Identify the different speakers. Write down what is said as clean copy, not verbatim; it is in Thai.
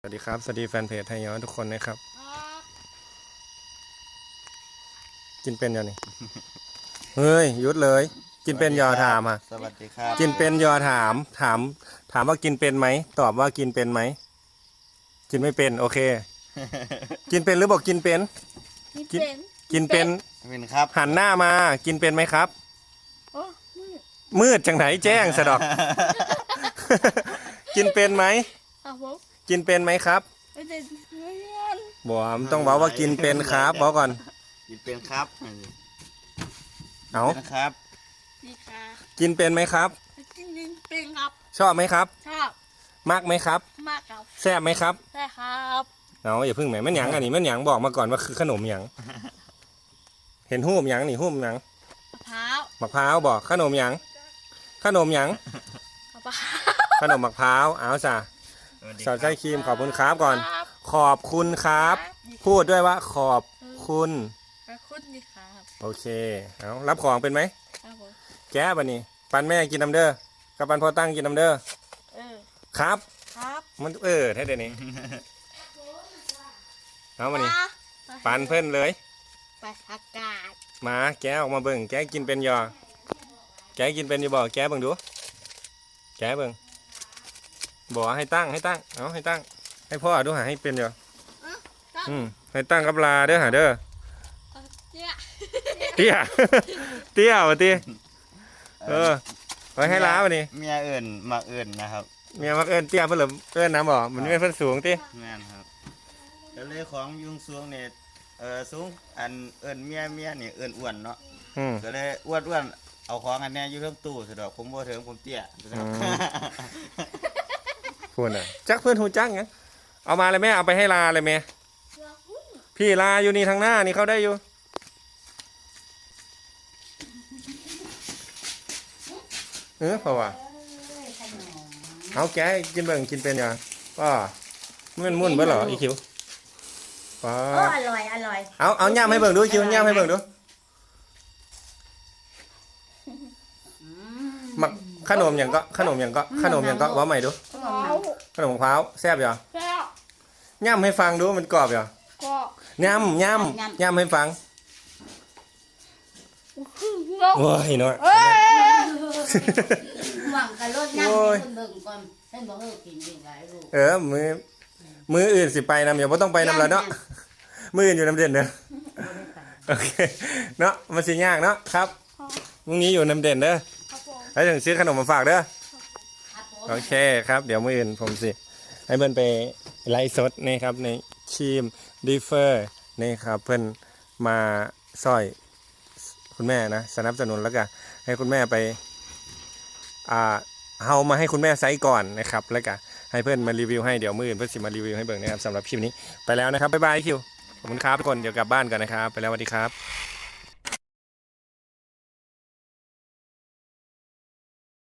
Speaker 1: สวัสดีครับสวัสดีแฟนเพจไทยย้อนทุกคนนะครับกินเป็นยังนี่ เฮ้ยหยุดเลยกินเป็นยอถามอ่ะ
Speaker 2: สวัสดีครับ
Speaker 1: กินเป็นยอถามว่ากินเป็นไหมตอบว่ากินเป็นไหมกินไม่เป็นโอเค กินเป็นหรือบอกกินเป็นกินเป็น
Speaker 2: เป็นครับ
Speaker 1: หันหน้ามากินเป็นไหมครับ
Speaker 3: โอ้
Speaker 1: มืดจังไหนแจ้งสะดอก กินเป็นไหม
Speaker 3: ครับผม
Speaker 1: กินเป็นไหมครับ
Speaker 3: ไม่ได้เรียน
Speaker 1: บอกต้องบอกว่ากินเป็นครับบอกก่อน
Speaker 2: กินเป็นครับ
Speaker 1: เอา
Speaker 2: เป็นครับ
Speaker 3: ดีค่ะ
Speaker 1: กินเป็นไหมครับ
Speaker 3: กินเป็นครับ
Speaker 1: ชอบไหมครับ
Speaker 3: ชอบ
Speaker 1: มักไหมครับ
Speaker 3: มากครับ
Speaker 1: แซ่บไหมครับ
Speaker 3: ใช่ครับ
Speaker 1: เอาอย่าพึ่งแหมแม่นหยังอันนี้แม่นหยังบอกมาก่อนว่าคือขนมหยังเห็นหูมหยังนี่หูมหยัง
Speaker 3: มะพร้าว
Speaker 1: มะพร้าวบอกขนมหยังขนมหยัง
Speaker 3: มะพร้าว
Speaker 1: ขนมมะพร้าวเอาจ้ะสาวใจครีมขอบคุณครับก่อน
Speaker 3: ครับ
Speaker 1: ขอบคุณครับ พูดด้วยว่าขอบคุณ
Speaker 3: ขอบคุณดีครับ
Speaker 1: โอเคเอารับของเป็นไหม
Speaker 3: ครับผม
Speaker 1: แก้บันนี้ปันแม่กินน้ำเด้อกับปันพ่อตั้งกินน้ำเด้อ
Speaker 3: เออ
Speaker 1: ครับ
Speaker 3: ครับ
Speaker 1: มันแท้เดี๋ยวนี้เอามานี่
Speaker 3: มา
Speaker 1: ปันเพื่อนเลย
Speaker 3: ไปอากาศ
Speaker 1: มาแกะออกมาเบิ่งแกะกินเป็นยอแกะกินเป็นอยู่บ่แกะเบิ่งดูแกะเบิ่งบอกให้ตั้งเอาให้ตั้งให้พ่อดูหาให้เป็นยอให้ตั้งกับลาเด้อหาเด้อ
Speaker 3: เนี่ย
Speaker 1: เตี้ย เตี้ยวะเตี้ยไว้ให้ล้าวันนี้
Speaker 2: เมียเอิ่นมาเอิ่นนะครับ
Speaker 1: เมียมักเอิ้นเตี้ยเพิ่นเหรอเอิ้นน้ำบ่มันไม่เพิ่นสูงเตี้ย
Speaker 2: แม่นครับแล้วเลยของยุงสูงเนี่ยสูงอันเอิ่นเมียนี่เอิ่นอ้วนเนาะก็เลยอ้วนเอาของอันเนี้ยอยู่เทิงตู้สะดอกผมบ่ถึงผมเตี้ย
Speaker 1: พูดน่ะจักเพื่อนหูจักงั้นเอามาเลยแม่เอาไปให้ลาเลยแม่พี่ลาอยู่นี่ทางหน้านี่เขาได้อยู่เพราะว่าเอาแกกินเบิ่งกินเป็นยังก็มันมุ่นเบิ่งเหรออีคิวป้า
Speaker 4: โอ้อร่อย
Speaker 1: เอาย่ำให้เบิ่งดูคิวย่ำให้เบิ่งดูมักขนมอย่างก็ว่าใหม่ดู
Speaker 3: มะพร้าว
Speaker 1: ขนมมะพร้าวแซ่บเหรอ
Speaker 3: แล้ว
Speaker 1: ย่ำให้ฟังดูมันกรอบเหรอ
Speaker 3: ก็
Speaker 1: ย่ำให้ฟัง
Speaker 3: แล้ว
Speaker 1: โอ้ยน้อย
Speaker 3: เอ้ย
Speaker 4: หวังกับรถน้ำให้คนเบิ่งก่อนให้บอกเออกินดีหลายลูก
Speaker 1: มืออื่นสิไปนำอย่าบ่ต้องไปนำแล้วเนาะมืออื่นอยู่น้ำเด่นเด้อโอเคเนาะมันสิยากเนาะครับพรุ่งนี้อยู่น้ำเด่นเด้อ
Speaker 3: ครับผม
Speaker 1: แล้วถึงซื้อขนมมาฝากเด้อ
Speaker 4: ครับผม
Speaker 1: โอเคครับเดี๋ยวมืออื่นผมสิให้เพื่อนไปไลฟ์สดนี่ครับในทีมดีเฟอร์นี่ครับเพื่อนมาซอยคุณแม่นะสนับสนุนแล้วก็ให้คุณแม่ไปเฮามาให้คุณแม่ไซส์ก่อนนะครับแล้วก็ให้เพื่อนมารีวิวให้เดี๋ยวมืออื่นเพื่อนสิมารีวิวให้เบิ่งนะครับสำหรับคลิปนี้ไปแล้วนะครับบ๊ายบายคิวขอบคุณครับทุกคนเดี๋ยวกลับบ้านกันนะครับไปแล้วสวัสดีครับ